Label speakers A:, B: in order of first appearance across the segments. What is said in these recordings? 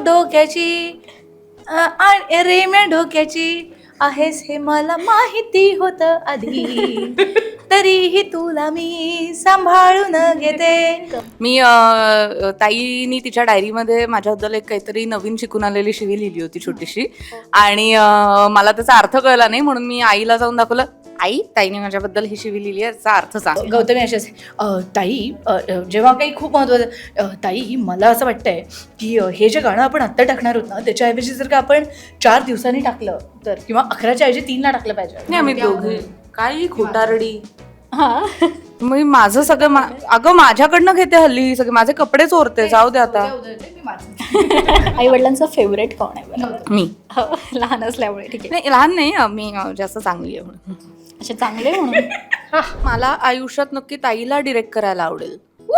A: डोक्याची आणि रेम्या डोक्याची आहेस हे मला माहिती होतं आधी, तरीही तुला मी सांभाळून घेते.
B: मी ताईनी तिच्या डायरीमध्ये माझ्याबद्दल एक काहीतरी नवीन शिकून आलेली शिवी लिहिली होती छोटीशी, आणि मला त्याचा अर्थ कळला नाही म्हणून मी आईला जाऊन दाखवलं, आई ताईने माझ्याबद्दल ही शिवी लिहिली आहे, याचा अर्थ सांग.
A: गौतमी असेच ताई जेव्हा काही खूप महत्त्वाचं ताई मला असं वाटतंय की हे जे गाणं आपण आत्ता टाकणार आहोत ना त्याच्याऐवजी जर का आपण 4 दिवसांनी टाकलं तर, किंवा 11च्या ऐवजी 3ला टाकलं पाहिजे.
B: नाही आम्ही दोघे काही खोटारडी.
C: हा
B: मी माझं सगळं अगं माझ्याकडनं घेते हल्ली सगळे माझे कपडे चोरते. जाऊ दे आता.
C: आई वडिलांचा फेवरेट कोण आहे बरं?
B: मी
C: हो, लहान असल्यामुळे ठीक आहे.
B: नाही लहान नाही, मी जास्त चांगली आहे म्हणून.
C: असे चांगले म्हणून
B: मला आयुष्यात नक्की ताईला डिरेक्ट करायला आवडेल.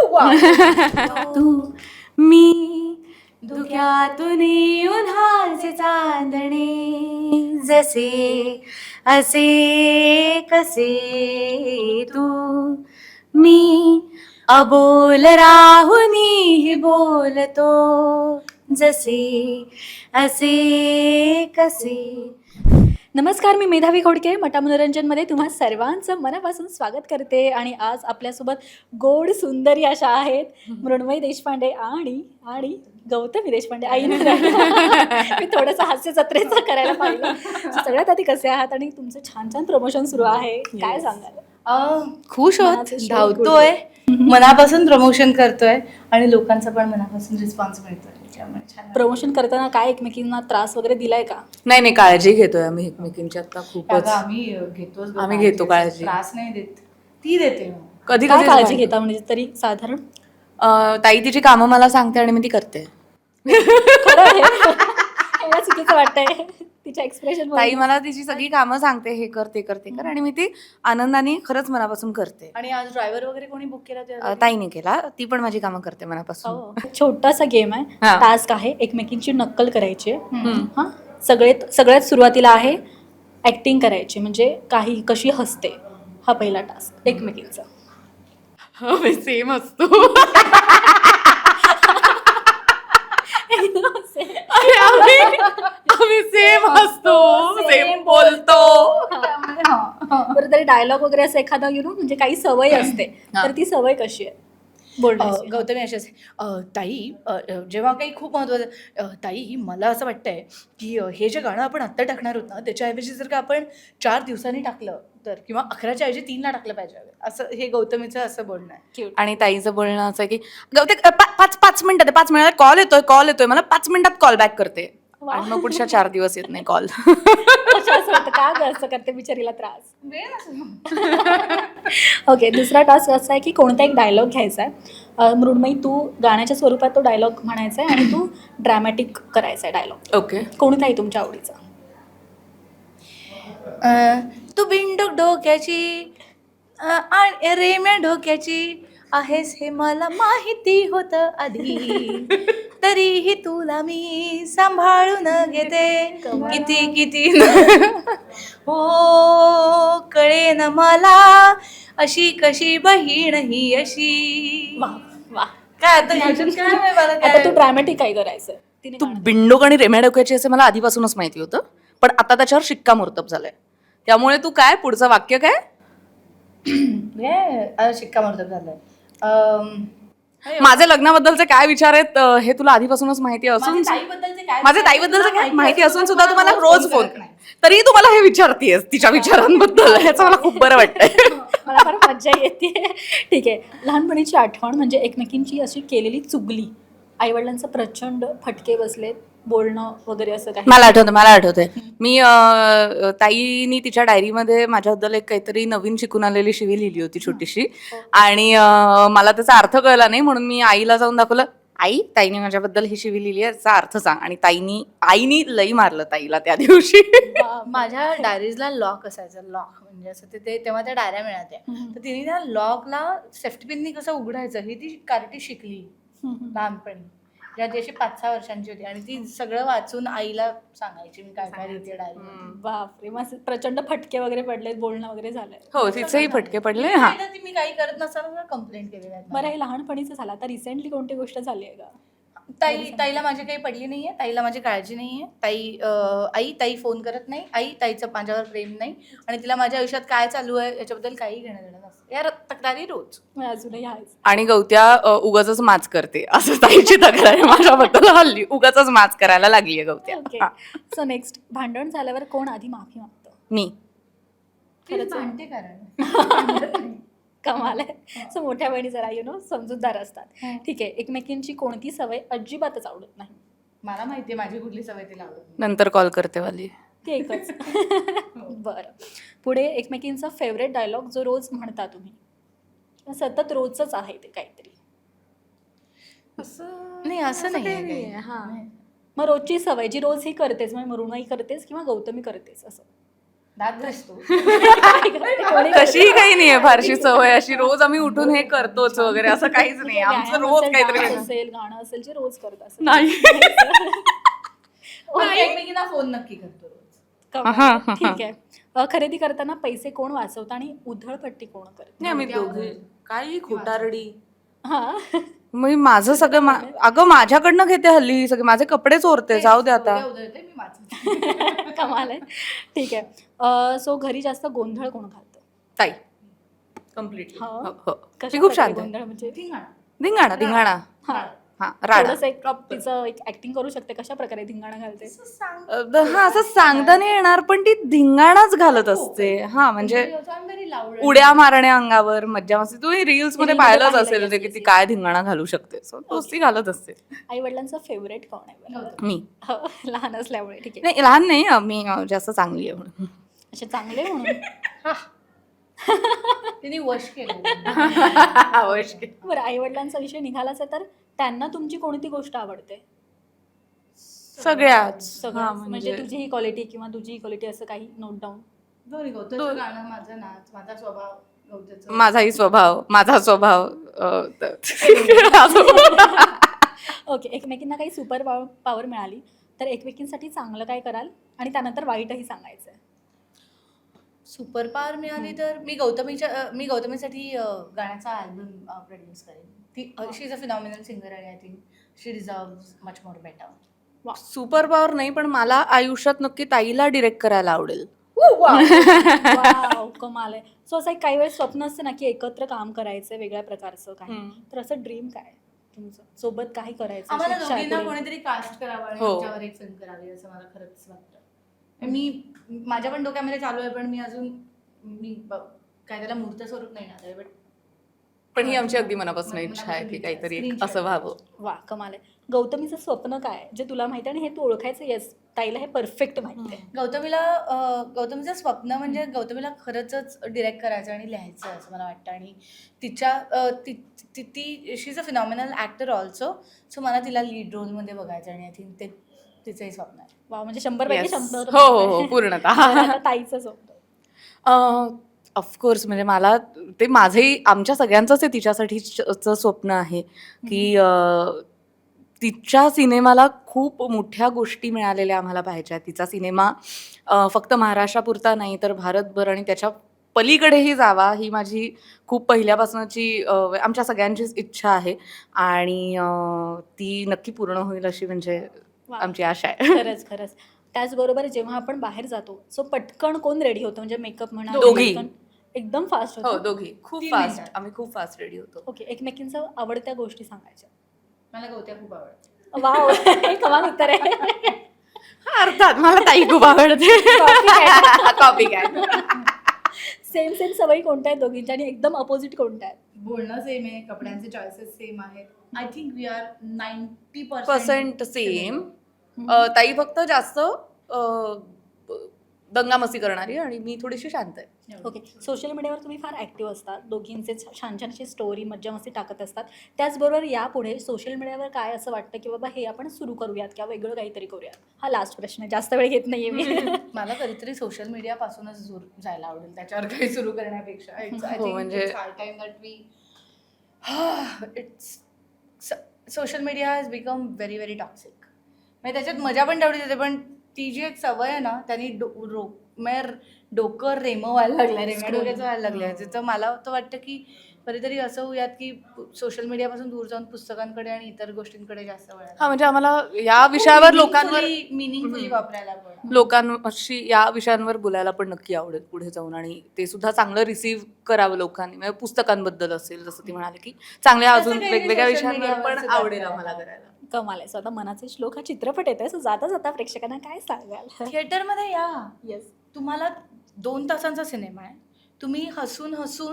B: तू मी धुक्यातून उन्हाचे चांदणे, जसे असे कसे तू मी अबोल राहुनी बोलतो, जसे असे कसे.
C: नमस्कार, मी मेधावी खोडके. मटा मनोरंजनमध्ये तुम्हा सर्वांचं मनापासून स्वागत करते. आणि आज आपल्यासोबत गोड सुंदरी अशा आहेत मृण्मयी देशपांडे आणि आणि गौतमी देशपांडे. आईने मी थोडंसं हास्य जत्रेचं करायला पाहिलं. सगळ्यात आधी कसे आहात आणि तुमचं छान छान प्रमोशन सुरू आहे, काय सांगाल?
A: खुश होत,
C: मनाचं show
A: धावतोय, मनापासून प्रमोशन करतोय आणि लोकांचा पण मनापासून रिस्पॉन्स मिळतोय. त्यामुळे छान.
C: प्रमोशन करताना काय एकमेकींना त्रास वगैरे दिलाय का?
B: नाही नाही, काळजी घेतोय आम्ही एकमेकींची आता खूपच.
A: अगं, आम्ही घेतोच
B: आम्ही घेतो काळजी.
A: त्रास नाही देत, ती देते.
B: कधी
C: काय
B: कधी
C: काळजी घेता म्हणजे तरी साधारण?
B: ताई तिची कामं मला सांगते आणि मी ती करते.
C: खरं आहे? मला चुकीचं वाटतंय तिच्या एक्सप्रेशन.
B: ताई मला तिची सगळी कामं सांगते, हे कर ते कर ते कर, आणि मी ती आनंदाने खरंच मनापासून करते.
A: आणि आज ड्रायव्हर वगैरे कोणी बुक केला?
B: ताईने केला, ती पण माझी कामं करते मनापासून.
C: छोटासा गेम आहे,
B: हा.
C: टास्क आहे, एकमेकींची नक्कल करायची आहे. हा, सगळ्यात सुरुवातीला आहे ऍक्टिंग करायची, म्हणजे काही कशी हसते. हा पहिला टास्क एकमेकींचा.
B: सेम असतो. आम्ही सेम असतो, सेम बोलतो.
C: बरं, तरी डायलॉग वगैरे असं एखादा म्हणजे काही सवय असते, तर ती सवय कशी आहे बोलण्याची?
A: गौतमी असेच ताई जेव्हा काही खूप महत्त्वाचं ताई मला असं वाटतंय की हे जे गाणं आपण आत्ता टाकणार आहोत ना त्याच्याऐवजी जर का आपण 4 दिवसांनी टाकलं तर, किंवा 11च्या ऐवजी 3ला टाकलं पाहिजे, असं हे गौतमीचं असं बोलणं आहे.
B: आणि ताईचं बोलणं असं आहे की गौते 5 मिनिटात 5 मिनिटात कॉल येतोय मला, 5 मिनिटात कॉल बॅक करते. आणि मग पुढच्या 4 दिवस येत नाही कॉल.
C: असं वाटतं का गं असं करते बिचारीला त्रास. ओके, दुसरा टास्क असा आहे की कोणता एक डायलॉग घ्यायचा आहे. मृण्मयी, तू गाण्याच्या स्वरूपात तो डायलॉग म्हणायचा आहे आणि तू ड्रॅमॅटिक करायचा आहे डायलॉग.
B: ओके.
C: कोणता आहे तुमच्या आवडीचा?
A: तू बिंडूक डोक्याची आणि रेम्या डोक्याची आहेस हे मला माहिती होतं आधी, तरीही तुला मी सांभाळून घेते. किती किती हो कळे न मला, अशी कशी बहीण ही अशी.
C: वा वा.
A: काय आता ह्याच्यात काय आहे मला
C: आता
A: काय?
C: तू ड्रॅमॅटिक काय करायचं? तिने
B: तू बिंडोक आणि रेम्या डोक्याची असे मला आधीपासूनच माहिती होतं, पण आता त्याच्यावर शिक्कामोर्तब झालंय. त्यामुळे तू काय पुढचं वाक्य काय?
A: शिक्कामोर्तब झालंय.
B: माझ्या लग्नाबद्दलचे काय विचार आहेत हे तुला आधीपासूनच माहिती असून, माझ्या ताईबद्दलचं काय माहिती असून सुद्धा तुम्हाला रोज फोन, तरी तू मला हे विचारतेस तिच्या विचारांबद्दल. ह्याचं मला खूप बरं वाटतंय.
C: मला फार मज्जा येते. ठीक आहे, लहानपणीची आठवण म्हणजे एकमेकींची अशी केलेली चुगली, आईवडिलांचं प्रचंड फटके बसलेत, बोलणं वगैरे असं काही?
B: मला आठवतंय मी ताईनी तिच्या डायरीमध्ये माझ्याबद्दल एक काहीतरी नवीन शिकून आलेली शिवी लिहिली होती छोटीशी, आणि मला त्याचा अर्थ कळला नाही म्हणून मी आईला जाऊन दाखवलं, आई ताईने माझ्याबद्दल ही शिवी लिहिली आहे, याचा अर्थ सांग. आणि आईनी लई मारलं ताईला त्या दिवशी.
A: माझ्या डायरीजला लॉक असायचं, लॉक म्हणजे असं तेव्हा त्या डायऱ्या मिळाल्या, तर तिने त्या लॉकला सेफ्टी पिननी कसं उघडायचं ही ती कार्टी शिकली लहानपणी, जेव्हा ती अशी 5-6 वर्षांची होती, आणि ती सगळं वाचून आईला सांगायची मी काय काय लिहिते डायरी.
C: बापरे, मग प्रचंड फटके वगैरे पडलेत, बोलणं वगैरे झालंय?
B: हो, तिचेही फटके पडले. हा,
A: मी काही करत नसताना कंप्लेंट केली.
C: बरं, हे लहानपणीचं झालं. आता रिसेंटली कोणती गोष्ट झाली आहे का?
A: ताईला माझी काही पडली नाहीये, ताईला माझी काळजी नाहीये. ताई फोन करत नाही, ताईचं माझ्यावर प्रेम नाही आणि तिला माझ्या आयुष्यात काय चालू आहे याच्याबद्दल काही घेणं देणं नसतं. या तक्रारी रोज.
C: अजूनही आहेच.
B: आणि गवत्या उगाचच माच करते असं ताईची तक्रार आहे माझ्याबद्दल हल्ली. उगाचच माच करायला लागलीये गवत्या.
C: ओके.
B: हा.
C: सो नेक्स्ट, भांडण झाल्यावर कोण आधी माफी मागतं?
B: मी.
C: खरंच आहे.
A: भांडते कारण
C: कमाल आहे. सो मोठ्या बहिणी जरा समजूतदार असतात.
A: हं.
C: ठीक आहे. एकमेकींची कोणती सवय अजिबातच आवडत नाही?
A: मला माहितीये माझी कुठली सवय तिला आवडत नाही.
B: नंतर कॉल करते वाली.
C: ती एकच. बरं. पुढे एकमेकींचा फेवरेट डायलॉग जो रोज म्हणता तुम्ही, सतत रोजच आहे ते काहीतरी.
A: नाही असं नाही आहे
C: नाहीये,
A: काही.
C: हां.
A: नाही.
C: मग रोजची सवय जी रोज ही करतेच, म्हणजे मृण्मयी करतेस किंवा गौतमी करतेस असं.
A: दात घासतो.
C: कोणी
B: तशीही काही नाहीये फारशी सवय अशी रोज आम्ही उठून हे करतोच वगैरे असं काहीच
C: ठीक
B: नाही.
C: आहे,
B: आमचं
C: व्यायाम
B: रोज
C: असेल,
B: काहीतरी
C: डान्स
B: वेगळं.
C: असेल, गाणं असेल जे रोज करत असेल.
B: नाही.
A: पण एकमेकींना फोन नक्की करतो रोज.
C: कमाल. ठीक आहे. खरेदी करताना पैसे कोण वाचवतं आणि उधळपट्टी कोण करते?
B: नाही आम्ही दोघे काही खोटारडी.
C: हा.
B: मग माझं सगळं अगं माझ्याकडनं घेते हल्ली ही सगळे माझे कपडे चोरते. जाऊ दे आता.
A: उधळते मी वाचते.
C: कमाल आहे. ठीक आहे. सो घरी जास्त गोंधळ कोण घालतं?
B: ताई कम्प्लीटली.
C: हा. कशा
B: ती खूप
C: प्रकारे
B: शांत आहे.
C: गोंधळ म्हणजे
A: धिंगाणा.
B: धिंगाणा धिंगाणा.
C: हा.
B: हा राडा.
C: थोडंसं एक तिचं एक ऍक्टिंग करू शकते कशा प्रकारे धिंगाणा घालते.
A: असं सांग.
B: हा असं सांगता नाही येणार पण ती धिंगाणाच घालत असते. हा म्हणजे
A: I'm very loud.
B: उड्या मारण्या अंगावर मज्जा मस्ती. तुम्ही रील्स मध्ये
C: Reel मध्ये
B: पाहिलंच
C: पाहिलंय,
B: असेल
C: yes,
B: ते की
C: yes,
B: ती
C: yes.
B: काय धिंगाणा घालू शकते. सो तोच ती घालत असते.
C: आई वडिलांचा फेवरेट कोण आहे बरं?
B: मी
C: हो, लहान असल्यामुळे. ठीक आहे.
B: नाही लहान नाही मी जास्त चांगली आहे म्हणून.
C: असे चांगले म्हणून.
A: तिने वश केलं.
B: अवश्य.
C: बरं, आई वडिलांचा विषय निघालाच आहे तर त्यांना तुमची कोणती गोष्ट आवडते?
B: सगळ्याच.
C: सगळं
B: हा,
C: म्हणजे तुझी ही क्वालिटी किंवा तुझी ही क्वालिटी असं काही नोट डाऊन.
A: दोन्ही गवताचं गाणं, माझा नाच, माझा स्वभाव, गवताचं.
B: माझाही स्वभाव माझा स्वभाव
C: ओके. एकमेकींना काही सुपर पॉवर मिळाली तर एकमेकींसाठी चांगलं काय कराल आणि त्यानंतर वाईटही सांगायचं आहे?
A: सुपर पॉवर मिळाली तर मी गौतमीसाठी गाण्याचा अल्बम प्रोड्यूस करेन. ती she is a phenomenal singer आणि I think she deserves much more better.
B: Super power नाही पण मला आयुष्यात नक्की ताईला डिरेक्ट करायला आवडेल.
C: वाव, कमाल आहे. सो असं एक काही वेळेस स्वप्न असते ना की एकत्र काम करायचं वेगळ्या प्रकारचं काही, तर असं ड्रीम काय तुमचं? सोबत काही करायचं?
A: आम्हाला
C: शिक्षा
A: दोघींना
C: पुढे?
A: कोणीतरी कास्ट करावं आणि
B: हो.
A: आमच्यावर एक फिल्म करावी असं मला खरंच वाटतं. माझ्या पण डोक्यामध्ये चालू आहे पण मी अजून काय त्याला मूर्त स्वरूप नाही ना बट
B: पण ही आमची अगदी मनापासून इच्छा आहे की काहीतरी एक असं व्हावं.
C: वा, कमाल आहे. गौतमीचं स्वप्न काय आहे जे तुला माहिती आहे आणि हे तू ओळखायचं? येस, ताईला हे परफेक्ट माहिती आहे.
A: गौतमीचं स्वप्न म्हणजे गौतमीला खरंच डिरेक्ट करायचं आणि लिहायचं असं मला वाटतं. आणि ती she is a phenomenal actor also. So मला तिला लीड रोलमध्ये बघायचं आणि आय थिंक ते तिचंही स्वप्न आहे.
C: वा, म्हणजे 100 पैकी
B: Yes.
C: 100.
B: हो हो हो पूर्णतः.
C: बरं, आता ताईचं स्वप्न.
B: ऑफकोर्स म्हणजे मला ते माझंही आमच्या सगळ्यांचंच आहे तिच्यासाठीचं स्वप्न आहे की तिच्या सिनेमाला खूप मोठ्या गोष्टी मिळालेल्या आम्हाला पाहिजे. तिचा सिनेमा फक्त महाराष्ट्रापुरता नाही तर भारतभर आणि त्याच्या पलीकडेही जावा ही माझी खूप पहिल्यापासूनची आमच्या सगळ्यांचीच इच्छा आहे आणि ती नक्की पूर्ण होईल अशी म्हणजे
C: वा.
B: आमची आशा आहे.
C: खरंच. त्याचबरोबर जेव्हा आपण बाहेर जातो सो पटकन कोण रेडी होतं? म्हणजे मेकअप म्हणा,
B: दोघी.
C: पटकन एकदम फास्ट
B: हो
C: होतो.
B: दोघी खूप
A: 3
B: फास्ट.
A: मिनिटात.
B: आम्ही खूप फास्ट रेडी होतो.
C: ओके. एकमेकींच्या आवडत्या गोष्टी सांगायच्या.
A: मला गवत्या खूप आवडते.
C: वाव, कमाल उत्तर आहे.
B: अर्थात मला ताई खूप आवडते. Copy cat.
C: सेम सवयी कोणत्या आहेत दोघींच्या आणि एकदम अपोजिट कोणत्या आहेत?
A: बोलणं सेम आहे, कपड्यांचे चॉईसेस सेम आहेत. I think we are 90%
B: percent same. ताई फक्त जास्त दंगामस्ती करणारी आणि मी थोडीशी शांत आहे.
C: ओके. सोशल मीडियावर तुम्ही फार ॲक्टिव्ह असतात, दोघींचे छान छान अशी स्टोरी मज्जा मस्ती टाकत असतात. त्याचबरोबर यापुढे सोशल मीडियावर काय असं वाटतं की बाबा हे आपण सुरू करूयात किंवा वेगळं काहीतरी करूयात? हा लास्ट प्रश्न आहे, जास्त वेळ घेत नाहीये मी.
A: मला कधीतरी सोशल मीडियापासूनच दूर जायला आवडेल त्याच्यावर काही सुरू करण्यापेक्षा.
B: म्हणजे-
A: social media has become very very toxic. म्हणजे त्याच्यात मजा पण तेवढीच येते पण ती जी एक सवय आहे ना त्यांनी डोकं रेमं व्हायला लागलं, रेम्या डोक्याचं व्हायला लागलं. तर मला तर वाटतं की कधीतरी असं होऊयात की सोशल मीडियापासून दूर जाऊन पुस्तकांकडे आणि इतर गोष्टींकडे जास्त वेळ
B: हा म्हणजे आम्हाला या विषयावर लोकांवर
A: मिनिंगफुली वापरायला पण
B: लोकांशी या विषयांवर बोलायला पण नक्की आवडेल पुढे जाऊन, आणि ते सुद्धा चांगलं रिसीव्ह करावं लोकांनी. म्हणजे पुस्तकांबद्दल असेल जसं ती म्हणाले की चांगल्या
A: तसं
B: अजून
A: काही
B: वेगवेगळ्या
A: social
B: विषयांवर
A: media
B: पण
A: वर सुद्धा
B: आवडेल
A: करायला.
B: आम्हाला करायला.
C: कमाल आहे. सो आता मनाचे श्लोक हा चित्रपट येतोय, सो जाता जाता प्रेक्षकांना काय सांगाल?
A: थिएटरमध्ये या.
C: येस.
A: तुम्हाला 2 तासांचा सिनेमा आहे. तुम्ही हसून हसून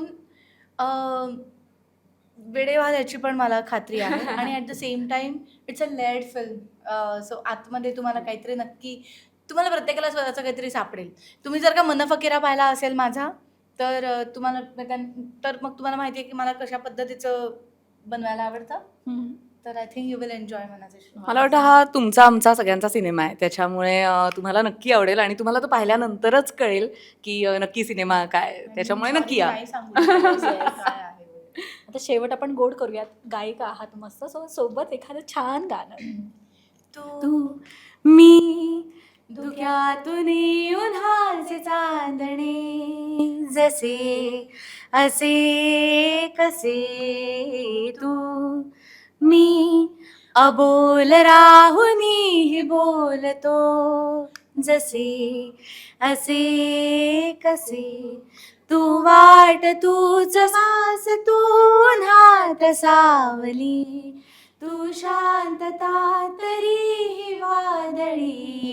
A: वेडे व्हाल याची पण मला खात्री आहे. आणि at the same time it's a layered film. So आतमध्ये तुम्हाला काहीतरी नक्की, तुम्हाला प्रत्येकाला स्वतःचं काहीतरी सापडेल. तुम्ही जर का मन फकीरा पाहिला असेल माझा, तर तुम्हाला तर मग तुम्हाला माहिती आहे की मला कशा पद्धतीचं बनवायला आवडतं. तर I think you will enjoy Manache Shlok.
B: मला वाटतं हा तुमचा आमचा सगळ्यांचा सिनेमा आहे, त्याच्यामुळे तुम्हाला नक्की आवडेल आणि तुम्हाला तो पाहिल्यानंतरच कळेल की नक्की सिनेमा काय, त्याच्यामुळे नक्की या.
A: नाही सांगू शकत काय आहे वगैरे.
C: आता शेवट आपण गोड करूयात. गायिका आहात मस्त, सो सोबत एखादं छान गाणं.
B: तू मी धुक्यातून उन्हाचे चांदणे, जसे असे कसे तू मी अबोल राहुनी बोलतो, जसे असे कसे तू वाट तूच सास तू उन्हात सावली, तू शांतता तरीही वादळी,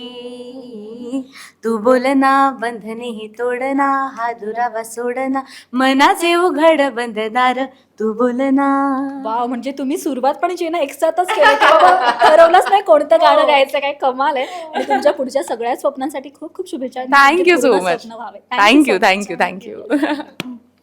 B: तू बोलना बंधने ही तोडना, हा दुरावा सोडना, मनाचे उघड बंधनार तू बोलना.
C: वाव, म्हणजे तुम्ही सुरुवात पण जे ना एकसाथच केलं की बाबा ठरवलंच नाही कोणतं गाणं गायचं, काय कमाल आहे. आणि तुमच्या पुढच्या सगळ्या स्वप्नांसाठी खूप खूप शुभेच्छा.
B: थँक्यू सो
C: पूर्ण
B: मच.
C: स्वप्न व्हावे.
B: Thank you
C: so much.
B: Thank you thank you.